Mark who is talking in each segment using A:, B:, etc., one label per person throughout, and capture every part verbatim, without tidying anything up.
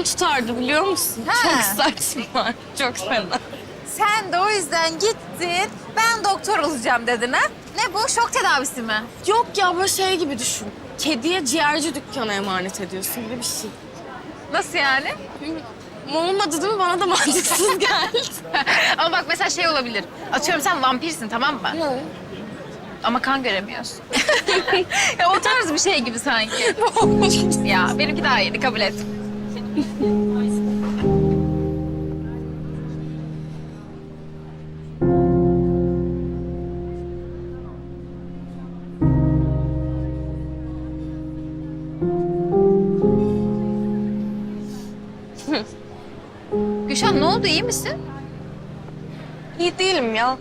A: Canım tutardı biliyor musun?
B: Ha.
A: Çok saçma, çok fena.
B: Sen de o yüzden gittin, ben doktor olacağım dedin ha? Ne bu, şok tedavisi mi?
A: Yok ya böyle şey gibi düşün. Kediye ciğerci dükkana emanet ediyorsun gibi bir şey.
B: Nasıl yani?
A: Olmadı değil mi? Bana da mantıksız geldi.
B: Ama bak mesela şey olabilir. Atıyorum sen vampirsin, tamam mı? Ama kan göremiyorsun. Ya o tarz bir şey gibi sanki. Ya benimki daha iyiydi, kabul et. Gülşen ne oldu, iyi misin?
A: İyi değilim ya.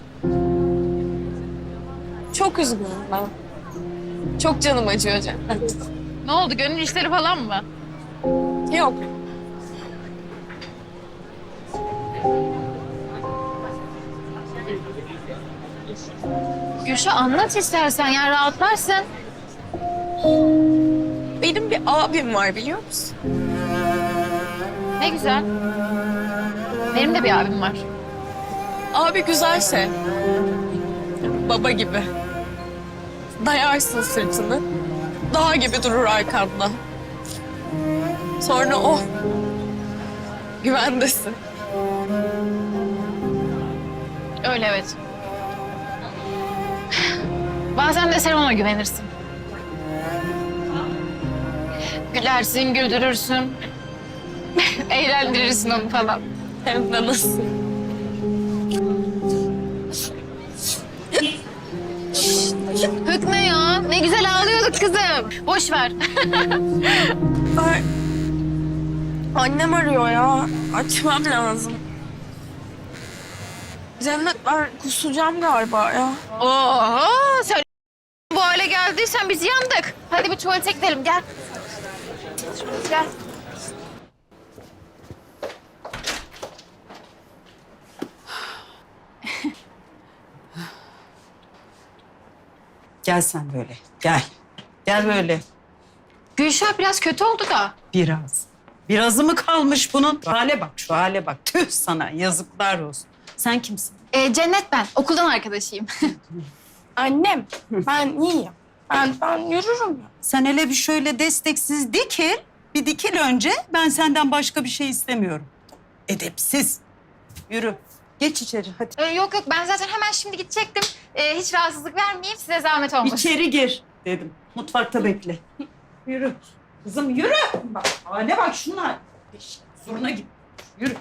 A: Çok üzgünüm ben. Çok canım acıyor Cennet.
B: Ne oldu, gönül işleri falan mı?
A: Yok.
B: Gülşen anlat istersen ya, rahatlarsın.
A: Benim bir abim var biliyor musun?
B: Ne güzel. Benim de bir abim var.
A: Abi güzel şey. Baba gibi. Dayarsın sırtını. Dağ gibi durur arkanda. Sonra o. Güvendesin.
B: Öyle evet. Bazen de sen ona güvenirsin. Gülersin, güldürürsün. Eğlendirirsin onu falan.
A: Hem de nasıl?
B: Hükme ya. Ne güzel ağlıyorduk kızım. Boş ver.
A: Ay. Annem arıyor ya. Açmam lazım. Cennet ben kusacağım galiba ya.
B: Oo, sen bu hale geldiysen biz yandık. Hadi bir tuvalete gidelim, gel. Gel.
C: Gel sen böyle, gel. Gel böyle.
B: Gülşah biraz kötü oldu da.
C: Biraz. Birazı mı kalmış bunun? Şu hale bak, şu hale bak. Tüh sana, yazıklar olsun. Sen kimsin?
B: Ee, Cennet ben, okuldan arkadaşıyım.
A: Annem ben iyiyim. Ben, ben yürürüm ya.
C: Sen hele bir şöyle desteksiz dikil. Bir dikil önce. Ben senden başka bir şey istemiyorum. Edepsiz. Yürü. Geç içeri hadi.
B: Ee, yok yok, ben zaten hemen şimdi gidecektim. Ee, hiç rahatsızlık vermeyeyim, size zahmet olmasın.
C: İçeri gir dedim. Mutfakta bekle. Yürü. Kızım yürü. Bak hale bak şunlar. Zoruna git. Yürü.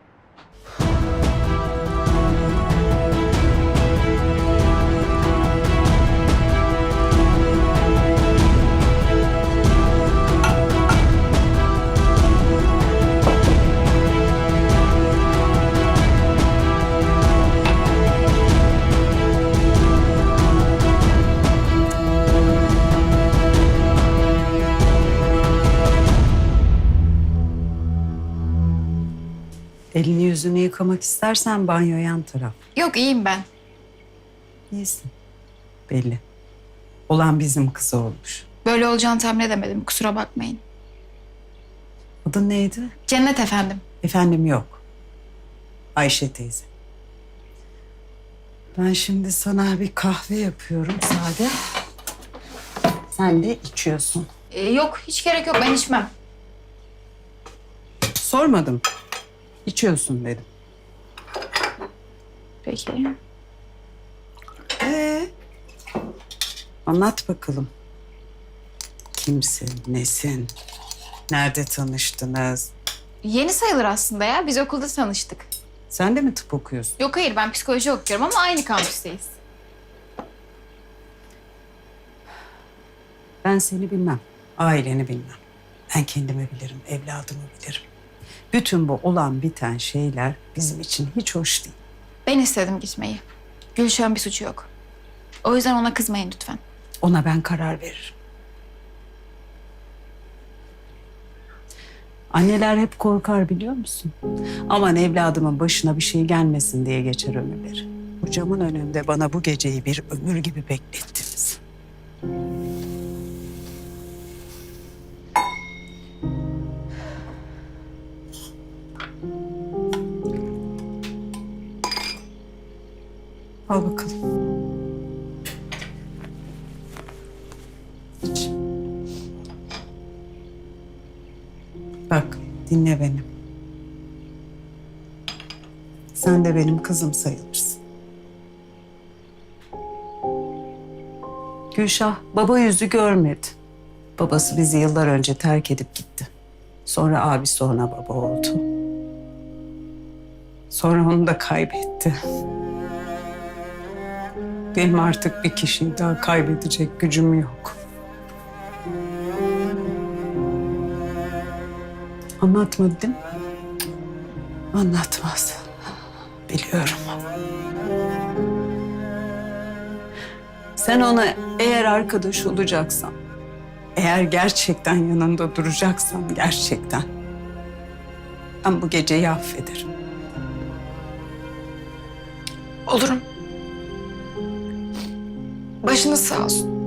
C: Elini yüzünü yıkamak istersen banyo yan taraf.
B: Yok, iyiyim ben.
C: İyisin. Belli. Olan bizim kızı olmuş.
B: Böyle olacağını tahmin edemedim, kusura bakmayın.
C: Adın neydi?
B: Cennet efendim.
C: Efendim yok. Ayşe teyze. Ben şimdi sana bir kahve yapıyorum sade. Sen de içiyorsun.
B: Ee, yok, hiç gerek yok, ben içmem.
C: Sormadım. İçiyorsun dedim.
B: Peki.
C: Ee, anlat bakalım. Kimsin, nesin? Nerede tanıştınız?
B: Yeni sayılır aslında ya, biz okulda tanıştık.
C: Sen de mi tıp okuyorsun?
B: Yok hayır, ben psikoloji okuyorum ama aynı kampüsteyiz.
C: Ben seni bilmem. Aileni bilmem. Ben kendimi bilirim, evladımı bilirim. Bütün bu olan biten şeyler bizim için hiç hoş değil.
B: Ben istedim gitmeyi. Gülşah'ın bir suçu yok. O yüzden ona kızmayın lütfen.
C: Ona ben karar veririm. Anneler hep korkar biliyor musun? Aman evladımın başına bir şey gelmesin diye geçer ömürleri. Hocamın önünde bana bu geceyi bir ömür gibi beklettiniz. Al bakalım. İç. Bak, dinle beni. Sen de benim kızım sayılırsın. Gülşah baba yüzü görmedi. Babası bizi yıllar önce terk edip gitti. Sonra abisi ona baba oldu. Sonra onu da kaybetti. Benim artık bir kişiyi daha kaybedecek gücüm yok. Anlatmadı değil mi? Anlatmaz. Biliyorum. Sen ona eğer arkadaş olacaksan, eğer gerçekten yanında duracaksan gerçekten, ben bu geceyi affederim.
D: Olurum. Başınız sağ olsun.